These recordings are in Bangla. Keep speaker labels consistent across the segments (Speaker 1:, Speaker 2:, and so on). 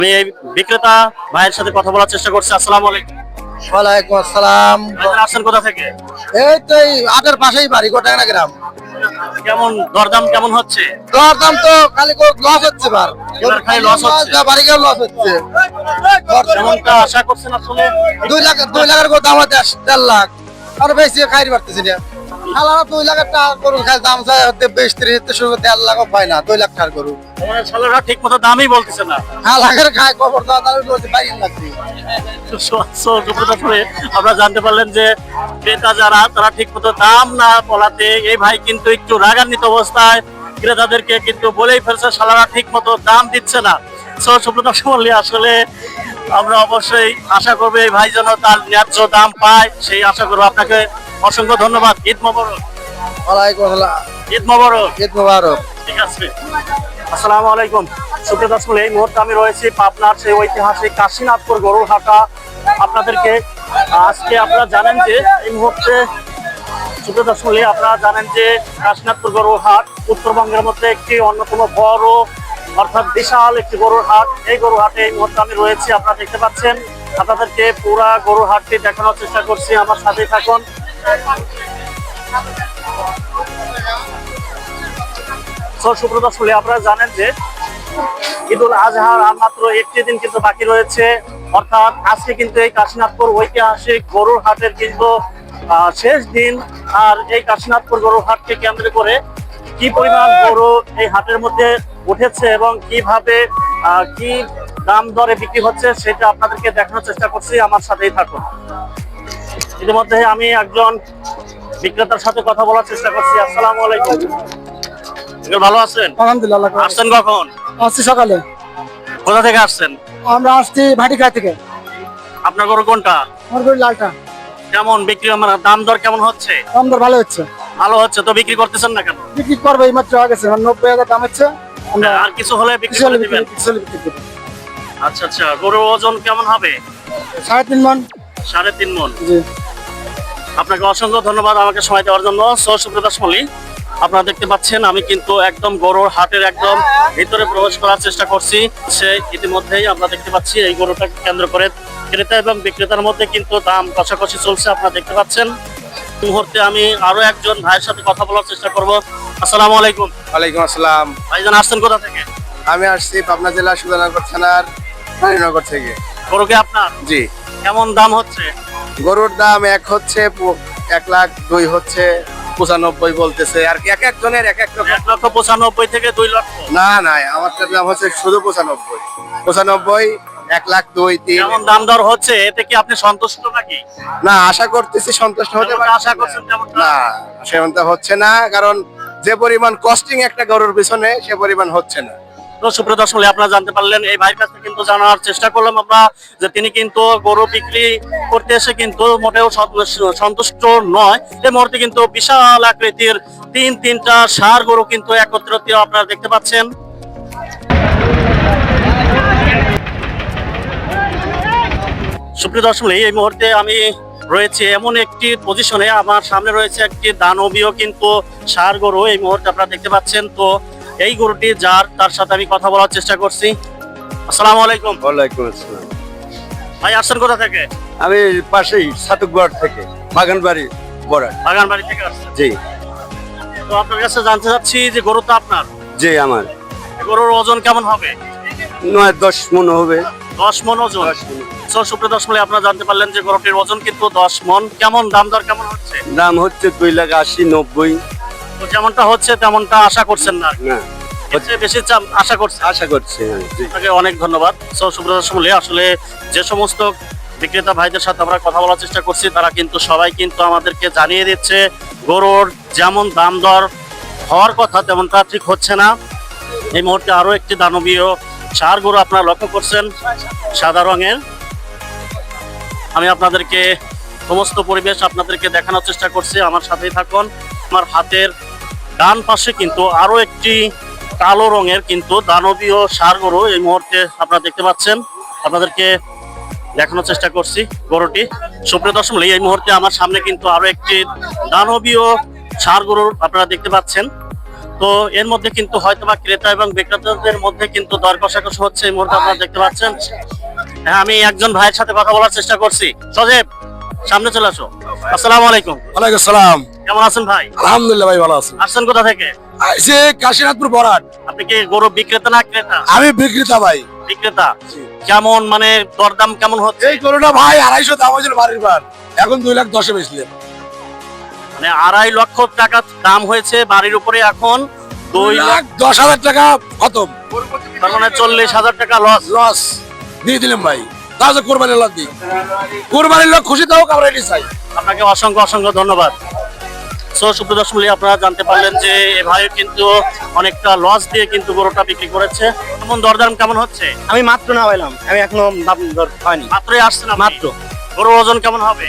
Speaker 1: আমি এই বিক্রেতা ভাইয়ের সাথে কথা বলার চেষ্টা করছি। আসসালামু আলাইকুম।
Speaker 2: ওয়ালাইকুম আসসালাম।
Speaker 1: ভাইজান আসছেন কোথা থেকে?
Speaker 2: এই তো এই আটের পাশেই বাড়ি, গোটাঙ্গা গ্রাম।
Speaker 1: কেমন দরদাম কেমন হচ্ছে?
Speaker 2: দরদাম তো খালি লস হচ্ছে,
Speaker 1: এবার খালি লস হচ্ছে।
Speaker 2: বাড়ি গেলে লস হচ্ছে।
Speaker 1: যেমনটা আশা করছেন আসলে
Speaker 2: 2 লাখের দাম হচ্ছে 1.5 লাখ, আর বেশি খাই পারতেছি না। শালারা 2 লাখের টাকা গরুর খাই দাম চাই হতে 20-30 থেকে শুরু করে 1.5 লাখও পায় না। 2 লাখ টাকার গরু
Speaker 1: আমাদের শালারা ঠিক মতো দামই বলতেছে না।
Speaker 2: লাখের খায় খবর দেওয়া তাহলে বলছে 22 লাখ দিয়ে।
Speaker 1: আমরা জানতে পারলেন যে ক্রেতা যারা তারা ঠিক মতো দাম না বলাতে এই ভাই কিন্তু একটু রাগান্বিত অবস্থায় ক্রেতাদেরকে কিন্তু বলেই ফেলছে শালারা ঠিক মতো দাম দিচ্ছে না। সুপ্রতাপ মল্লিক, আসলে আমরা অবশ্যই আশা করবো এই ভাই যেন তার ন্যায্য দাম পায়, সেই আশা করবো। আপনাকে অসংখ্য ধন্যবাদ। ঈদ মোবারক।
Speaker 2: ওয়ালাইকুম আসসালাম।
Speaker 1: ঈদ মোবারক।
Speaker 2: ঈদ মোবারক।
Speaker 1: ঠিক আছে। আসসালামু আলাইকুম। সুপ্রতাপ মল্লিক, এই মুহূর্তে আমি রয়েছি পাবনার সেই ঐতিহাসিক কাশীনাথপুর গরুর হাটা। আপনাদেরকে আজকে আপনারা জানেন যে এই মুহূর্তে সুপ্রতাপ মল্লিক, আপনারা জানেন যে কাশীনাথপুর গরুর হাট উত্তরবঙ্গের মধ্যে একটি অন্যতম বড় অর্থাৎ বিশাল একটি গরুর হাট। এই গরুর হাটে এই মুহূর্তে আমি রয়েছি, আপনারা দেখতে পাচ্ছেন। আপনাদেরকে পুরা গরুর হাটটি দেখানোর চেষ্টা করছি, আমার সাথেই থাকুন। সুপ্রতাপ মল্লিক, আপনারা জানেন যে ঈদুল আজহার আর মাত্র একটি দিন কিন্তু বাকি রয়েছে, অর্থাৎ আজকে কিন্তু এই কাশীনাথপুর ঐতিহাসিক গরুর হাটের কিন্তু শেষ দিন। আর এই কাশীনাথপুর গরুর হাটকে কেন্দ্র করে কি পরিমাণ গরু এই হাটের মধ্যে উঠেছে এবং কিভাবে কি দাম দরে বিক্রি হচ্ছে সেটা আপনাদেরকে দেখানোর চেষ্টা করছি, আমার সাথেই থাকুন। ইতিমধ্যে আমি একজন বিক্রেতার সাথে কথা বলার চেষ্টা করছি। আসসালামু আলাইকুম। ভালো আছেন?
Speaker 2: আলহামদুলিল্লাহ।
Speaker 1: আসছেন কখন?
Speaker 2: আসছি সকালে।
Speaker 1: কোথা থেকে আসছেন?
Speaker 2: আমরা আসছি ভাটিকা থেকে।
Speaker 1: আপনার গরু কোনটা?
Speaker 2: আমার গরু লালটা।
Speaker 1: কেমন বিক্রি, আমার দাম দর কেমন হচ্ছে?
Speaker 2: দাম দর ভালো হচ্ছে।
Speaker 1: ভালো হচ্ছে তো বিক্রি করতেছেন না কেন?
Speaker 2: বিক্রি করবো, এই মাত্র গেছে 90,000 দাম হচ্ছে।
Speaker 1: আর কিছু হলে বিক্রি করে দিবেন? আচ্ছা আচ্ছা। গরুর ওজন কেমন হবে?
Speaker 2: 3.5 মণ।
Speaker 1: 3.5 মণ।
Speaker 2: জি।
Speaker 1: আপনাকে অসংখ্য ধন্যবাদ আমাকে সময় দেওয়ার জন্য। সুপ্রতাপ মল্লিক, আপনারা দেখতে পাচ্ছেন আমি কিন্তু একদম গরুর হাটের একদম ভিতরে প্রবেশ করার চেষ্টা করছি। সে ইতিমধ্যেই আমরা দেখতে পাচ্ছি এই গরুটাকে কেন্দ্র করে ক্রেতা এবং বিক্রেতার মধ্যে কিন্তু দাম কষাকষি চলছে, আপনারা দেখতে পাচ্ছেন। এই মুহূর্তে আমি আরো একজন ভাইয়ের সাথে কথা বলার চেষ্টা করব। আসসালামু আলাইকুম।
Speaker 2: ওয়ালাইকুম আসসালাম।
Speaker 1: ভাইজান আসছেন কোথা থেকে?
Speaker 2: আমি আসছি পাবনা জেলা সুধানগর থানার রানীনগর থেকে।
Speaker 1: গরু কি আপনার?
Speaker 2: জি।
Speaker 1: কেমন দাম হচ্ছে?
Speaker 2: গরুর দাম এক হচ্ছে 1 লাখ, 2 হচ্ছে 95 বলতেছে, আর কি এক একজনের এক এক রকম।
Speaker 1: 1,95,000 থেকে 2 লক্ষ?
Speaker 2: না না, আমার দাম হচ্ছে শুধু 95, 1 লাখ, 2, 3।
Speaker 1: কেমন দাম দর হচ্ছে, এতে কি আপনি সন্তুষ্ট নাকি?
Speaker 2: না, আশা করতেছি সন্তুষ্ট হতে
Speaker 1: যেমনটা আশা করছেন তেমনটা?
Speaker 2: না, সেমনটা হচ্ছে না, কারণ যে পরিমাণ কস্টিং একটা গরুর পিছনে সে পরিমাণ হচ্ছে না।
Speaker 1: তো সুপ্রতাপ মল্লিক, আপনারা জানতে পারলেন এই ভাইয়ের কাছে কিন্তু জানার চেষ্টা করলাম আমরা যে তিনি কিন্তু গরু বিক্রি করতে এসে কিন্তু মোটেও সন্তুষ্ট নয়। এই মুহূর্তে কিন্তু বিশাল আকৃতির তিনটা ষাঁড় গরু কিন্তু একত্রিত আপনারা দেখতে পাচ্ছেন। সুপ্রতাপ মল্লিক, এই মুহূর্তে আমি রয়েছে এমন একটি পজিশনে, আমার সামনে রয়েছে একটি দানবীয় কিন্তু ষাঁড় গরু এই মুহূর্তে আপনারা দেখতে পাচ্ছেন। তো এই গরুটি যার, তার সাথে আমি কথা বলার চেষ্টা করছি। আসসালামু আলাইকুম।
Speaker 2: ওয়ালাইকুম আসসালাম।
Speaker 1: ভাই আসছেন কোথা থেকে?
Speaker 2: আমি পাশেই সাতুকগড় থেকে, বাগানবাড়ি বড়।
Speaker 1: বাগানবাড়ি থেকে আসছেন?
Speaker 2: জি।
Speaker 1: তো আপনার কাছে জানতে চাচ্ছি যে গরু তো আপনার?
Speaker 2: জি আমার।
Speaker 1: গরুর ওজন কেমন হবে?
Speaker 2: 9-10 মণ হবে।
Speaker 1: 10 মণ ওজন। সুপ্রতাপ মল্লিক, আপনারা জানতে পারলেন যে গরুটির ওজন কিন্তু 10 মণ। কেমন দাম দর কেমন হচ্ছে?
Speaker 2: দাম হচ্ছে 2,80,000, 90।
Speaker 1: তো যেমনটা হচ্ছে তেমনটা আশা করছেন না?
Speaker 2: না,
Speaker 1: হচ্ছে বেশি আশা করছেন?
Speaker 2: আশা করছি। জি।
Speaker 1: আপনাকে অনেক ধন্যবাদ। সুপ্রতাপ মল্লিক, আসলে যে সমস্ত বিক্রেতা ভাইদের সাথে আমরা কথা বলার চেষ্টা করছি তারা কিন্তু সবাই কিন্তু আমাদেরকে জানিয়ে দিচ্ছে গরুর যেমন দাম দর হওয়ার কথা তেমনটা ঠিক হচ্ছে না। এই মুহূর্তে আরো একটি দানবীয় ষাঁড় গরু আপনারা লক্ষ্য করছেন, সাদা রঙের। আমি আপনাদেরকে সমস্ত পরিবেশ আপনাদেরকে দেখানোর চেষ্টা করছি, আমার সাথেই থাকুন। আমার হাতের ডান পাশে কিন্তু আরো একটি কালো রঙের কিন্তু দানবীয় ষাঁড় গরু এই মুহূর্তে আপনারা দেখতে পাচ্ছেন, আপনাদেরকে দেখানোর চেষ্টা করছি গরুটি। সুপ্রতাপ মল্লিক, এই মুহূর্তে আমার সামনে কিন্তু আরো একটি দানবীয় ষাঁড় গরু আপনারা দেখতে পাচ্ছেন। তো এর মধ্যে কিন্তু হয়তোবা ক্রেতা এবং বিক্রেতাদের মধ্যে কিন্তু দর কষাকষি হচ্ছে এই মুহূর্তে আপনারা দেখতে পাচ্ছেন। হ্যাঁ, আমি একজন ভাইয়ের সাথে কথা বলার চেষ্টা করছি। সজীব, সামনে চলে আসো। আসসালামু আলাইকুম।
Speaker 3: ওয়ালাইকুম আসসালাম।
Speaker 1: কেমন আছেন ভাই?
Speaker 3: আলহামদুলিল্লাহ ভাই, ভালো আছি।
Speaker 1: আসছেন কোথা থেকে?
Speaker 3: আইছে কাশীনাথপুর বরাট।
Speaker 1: আপনি কি গরু বিক্রেতা না ক্রেতা?
Speaker 3: আমি বিক্রেতা ভাই।
Speaker 1: বিক্রেতা। কেমন মানে দরদাম কেমন হচ্ছে?
Speaker 3: এই গরুটা ভাই 250 দাম হয়েছিল বাড়ির বার, এখন 2,10,000 বেচলেন।
Speaker 1: মানে 2.5 লক্ষ টাকা দাম হয়েছে বাড়ির উপরে, এখন
Speaker 3: 2,10,000 টাকা খতম।
Speaker 1: তার মানে 40,000 টাকা লস।
Speaker 3: লস দিয়ে দিলাম ভাই। তাহলে কোরবানির লোক দিই, কোরবানির লোক খুশি থাকুক, আমরা এটি চাই।
Speaker 1: আপনাকে অসংখ্য অসংখ্য ধন্যবাদ। সো সুপ্রিয় দর্শক মণ্ডলী, আপনারা জানতে পারলেন যে এ ভাই কিন্তু অনেকটা লস দিয়ে কিন্তু গরুটা বিক্রি করেছে। কেমন দরদাম কেমন হচ্ছে?
Speaker 2: আমি মাত্র না পাইলাম, আমি এখনো দাম দর হয়নি।
Speaker 1: মাত্রই আসছে না?
Speaker 2: মাত্র।
Speaker 1: গরুর ওজন কেমন হবে?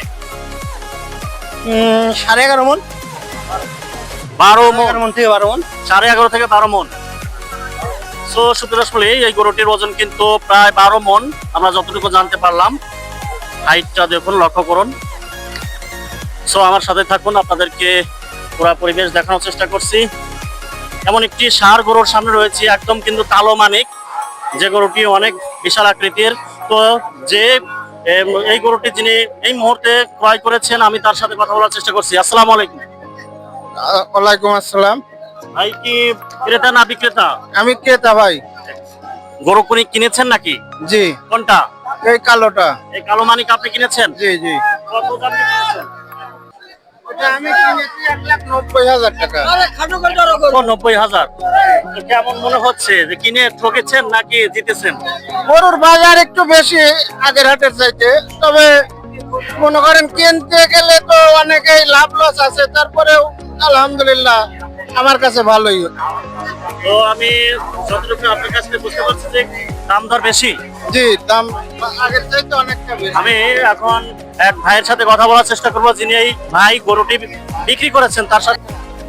Speaker 2: 11.5 মন,
Speaker 1: 12 মন।
Speaker 2: 11 মন থেকে 12 মন।
Speaker 1: 11.5 থেকে 12 মন। সো সুপ্রিয় দর্শক মণ্ডলী, এই গরুটির ওজন কিন্তু প্রায় 12 মন, আমরা যতটুকু জানতে পারলাম। হাইটটা দেখুন, লক্ষ্য করুন। সো আমার সাথে থাকুন, আপনাদেরকে পুরো পরিবেশ দেখানোর চেষ্টা করছি। এমন একটি ষাঁড় গরুর সামনে রয়েছে, একদম কিন্তু কালো মানিক, যে গরুটি অনেক বিশাল আকৃতির। তো যে এই গরুটি যিনি এই মুহূর্তে ক্রয় করেছেন, আমি তার সাথে কথা বলার চেষ্টা করছি। আসসালামু আলাইকুম।
Speaker 2: ওয়ালাইকুম আসসালাম।
Speaker 1: ভাই কি ক্রেতা না বিক্রেতা?
Speaker 2: আমি ক্রেতা ভাই।
Speaker 1: গরু কোনি কিনেছেন নাকি?
Speaker 2: জি।
Speaker 1: কোনটা?
Speaker 2: এই কালোটা।
Speaker 1: এই কালো মানিক আপনি কিনেছেন?
Speaker 2: জি জি।
Speaker 1: কত দাম দিয়ে কিনেছেন?
Speaker 2: আমি কিনেছি 1,90,000 টাকা।
Speaker 1: 90,000। কেমন মনে হচ্ছে যে কিনে ঠকেছেন নাকি জিতেছেন?
Speaker 2: গরুর বাজার একটু বেশি আগের হাটের চাইতে, তবে মনে করেন কিনতে গেলে তো অনেকেই লাভ লস আছে, তারপরেও আলহামদুলিল্লাহ আমার কাছে ভালোই।
Speaker 1: তো আমি যতটুকু আপনার কাছ থেকে বুঝতে পারছি যে দাম দর বেশি।
Speaker 2: জি, দাম আগের চাইতে অনেকটা বেশি।
Speaker 1: আমি এখন এক ভাইয়ের সাথে কথা বলার চেষ্টা করবো, যিনি এই ভাই গরুটি বিক্রি করেছেন, তার সাথে।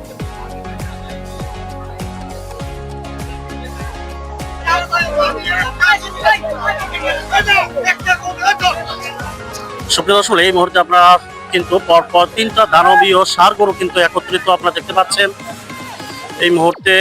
Speaker 1: সুপ্রিয় দর্শক, এই মুহূর্তে আপনারা কিন্তু পরপর 3টা দানবীয় ষাঁড় গরু কিন্তু একত্রিত আপনারা দেখতে পাচ্ছেন এই মুহূর্তে।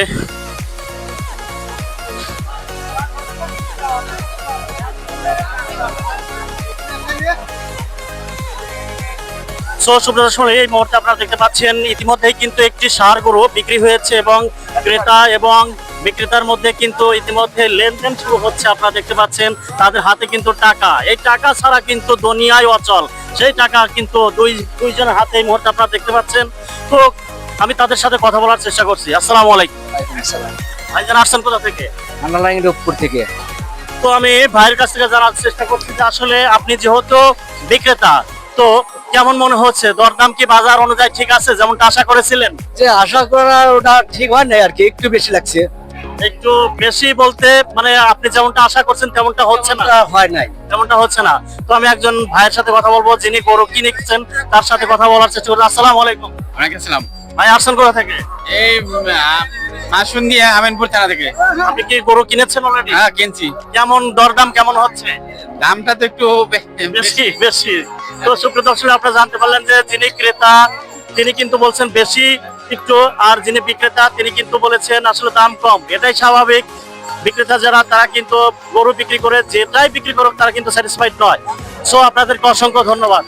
Speaker 1: সো সুপ্রিয় দর্শক, এই মুহূর্তে আপনারা দেখতে পাচ্ছেন ইতিমধ্যেই কিন্তু একটি ষাঁড় গরু বিক্রি হয়েছে এবং ক্রেতা এবং বিক্রেতার মধ্যে কিন্তু ইতিমধ্যে লেনদেন শুরু হচ্ছে। আপনারা দেখতে পাচ্ছেন তাদের হাতে কিন্তু টাকা, এই টাকা ছাড়া কিন্তু দুনিয়ায় অচল, সেই টাকা কিন্তু দুইজনের হাতে এই মুহূর্তে আপনারা দেখতে পাচ্ছেন। তো আমি তাদের সাথে কথা বলার চেষ্টা করছি। আসসালামু আলাইকুম। ভাইজান, আসছেন কোথা থেকে?
Speaker 2: রূপপুর থেকে।
Speaker 1: তো আমি ভাইয়ের কাছ থেকে জানার চেষ্টা করছি যে আসলে আপনি যেহেতু বিক্রেতা, তো কেমন মনে হচ্ছে? দরদাম কি বাজার অনুযায়ী ঠিক আছে যেমনটা আশা করেছিলেন?
Speaker 2: যে আশা করা ওটা ঠিক হয় নাই আর কি, একটু বেশি লাগছে।
Speaker 1: একটু বেশি বলতে মানে আপনি যেমনটা আশা করছেন তেমনটা হচ্ছে না?
Speaker 2: হয় নাই।
Speaker 1: তেমনটা হচ্ছে না। তো আমি একজন ভাইয়ের সাথে কথা বলবো, যিনি গরু কিনেছেন, তার সাথে কথা বলার চেষ্টা করবো। আসসালামু আলাইকুম।
Speaker 4: ওয়ালাইকুম আসসালাম।
Speaker 1: ভাই, আসছেন কোথা থেকে?
Speaker 4: এই মাসুন্দিয়া আমিনপুর থানা থেকে।
Speaker 1: আপনি কি গরু কিনেছেন অলরেডি?
Speaker 4: হ্যাঁ, কিনছি।
Speaker 1: কেমন দরদাম কেমন হচ্ছে?
Speaker 4: দামটা তো একটু
Speaker 1: বেশি বেশি। তো সুপ্রিয় দর্শক, আপনারা জানতে পারলেন যে যিনি ক্রেতা তিনি কিন্তু বলছেন বেশি একটু, আর যিনি বিক্রেতা তিনি কিন্তু বলেছেন আসলে দাম কম। এটাই স্বাভাবিক। বিক্রেতা যারা তারা কিন্তু গরু বিক্রি করে যেটাই বিক্রি করুক তারা কিন্তু স্যাটিসফাইড নয়। সো আপনাদেরকে অসংখ্য ধন্যবাদ।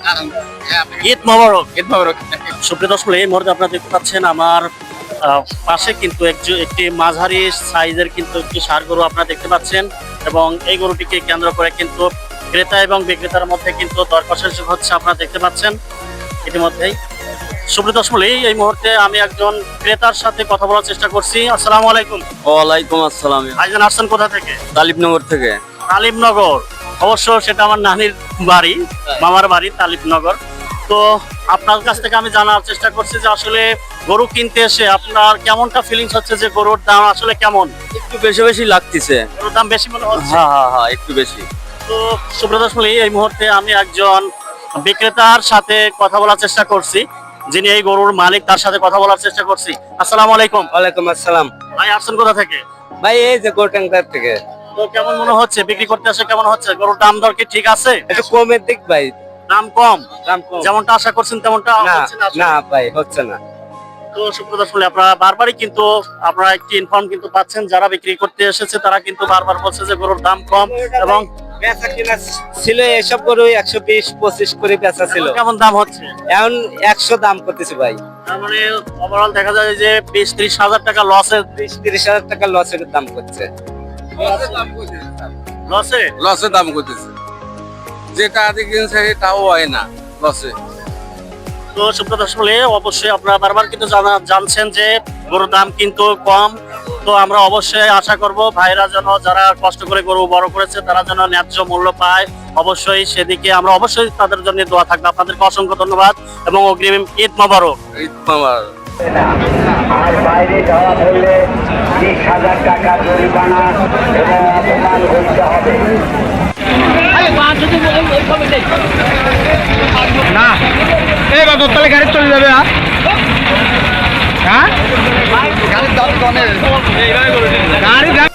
Speaker 1: ঈদ মোবারক।
Speaker 4: ঈদ মোবারক।
Speaker 1: সুপ্রিয় দর্শক, এই মুহূর্তে আপনারা দেখতে পাচ্ছেন আমার পাশে কিন্তু একটি মাঝারি সাইজের কিন্তু একটি ষাঁড় গরু আপনারা দেখতে পাচ্ছেন, এবং এই গরুটিকে কেন্দ্র করে কিন্তু ক্রেতা এবং বিক্রেতার মধ্যে কিন্তু দর কষাকষি হচ্ছে, আপনারা দেখতে পাচ্ছেন ইতিমধ্যেই। সুপ্রিয় দর্শক, এই মুহূর্তে আমি একজন ক্রেতার সাথে কথা বলার চেষ্টা করছি। আসসালামু আলাইকুম।
Speaker 5: ওয়ালাইকুম আসসালাম।
Speaker 1: ভাইজান, আসছেন কোথা থেকে?
Speaker 5: তালিবনগর থেকে।
Speaker 1: তালিবনগর? অবশ্য সেটা আমার নানির বাড়ি, মামার বাড়ি তালিবনগর। তো আপনার কাছ থেকে আমি জানার চেষ্টা করছি যে আসলে গরু কিনতে এসে আপনার কেমনটা ফিলিংস হচ্ছে, যে গরুর দাম আসলে কেমন?
Speaker 5: একটু বেশি বেশি লাগতেছে।
Speaker 1: গরুর দাম বেশি মনে হচ্ছে?
Speaker 5: হ্যাঁ, একটু বেশি।
Speaker 1: তো সুব্রত আসলে এই মুহূর্তে আমি একজন বিক্রেতার সাথে কথা বলার চেষ্টা করছি, যিনি এই গরুর মালিক, তার সাথে কথা বলার চেষ্টা করছি। আসসালামু আলাইকুম।
Speaker 5: ওয়ালাইকুম আসসালাম।
Speaker 1: ভাই, আসছেন কোথা থেকে?
Speaker 5: ভাই এই যে গোটাঙ্গার থেকে।
Speaker 1: তো কেমন মনে হচ্ছে বিক্রি করতে আসে? কেমন হচ্ছে গরুর দাম দর কি ঠিক আছে?
Speaker 5: একটু কমের দিক ভাই।
Speaker 1: দাম কম?
Speaker 5: দাম কম।
Speaker 1: যেমনটা আশা করছেন তেমনটা
Speaker 5: না
Speaker 1: হচ্ছে না আসলে?
Speaker 5: না ভাই, হচ্ছে না।
Speaker 1: তো সুপ্রদর্শন শুনলে আপনারা বারবারই কিন্তু আপনারা একটি ইনফর্ম কিন্তু পাচ্ছেন, যারা বিক্রি করতে এসেছে তারা কিন্তু বারবার বলছে যে গরুর দাম কম এবং
Speaker 5: বেচা কিনা ছিল এসব গরু 120-25 করে বেচা ছিল,
Speaker 1: কেমন দাম হচ্ছে।
Speaker 5: এখন 100 দাম করতেছে ভাই।
Speaker 1: তার মানে ওভারঅল দেখা যায় যে 20-30 হাজার টাকা লসের
Speaker 5: 30 হাজার টাকা লসের দাম করছে।
Speaker 1: লসে।
Speaker 3: লসে দাম করতেছে, যেটা আদি কিনছে তাও হয় না লসে।
Speaker 1: তো সুপ্রদর্শন শুনলে অবশ্যই আপনারা বারবার কিন্তু জানছেন যে গরুর দাম কিন্তু কম। তো আমরা অবশ্যই আশা করব ভাইরা যেন যারা কষ্ট করে গরু বড় করেছে তারা যেন ন্যায্য মূল্য পায়, অবশ্যই সেদিকে আমরা অবশ্যই তাদের জন্য দোয়া থাকবে। আপনাদেরকে অসংখ্য ধন্যবাদ এবং অগ্রিম ঈদ মোবারক।
Speaker 3: এই আমার
Speaker 6: আর বাইরে যাওয়া ধরলে 20,000 টাকা জরিমানা এবং অপমান করতে হবে।
Speaker 2: এবার দোতলা গাড়ি চলে যাবে। হ্যাঁ গাড়ির দাম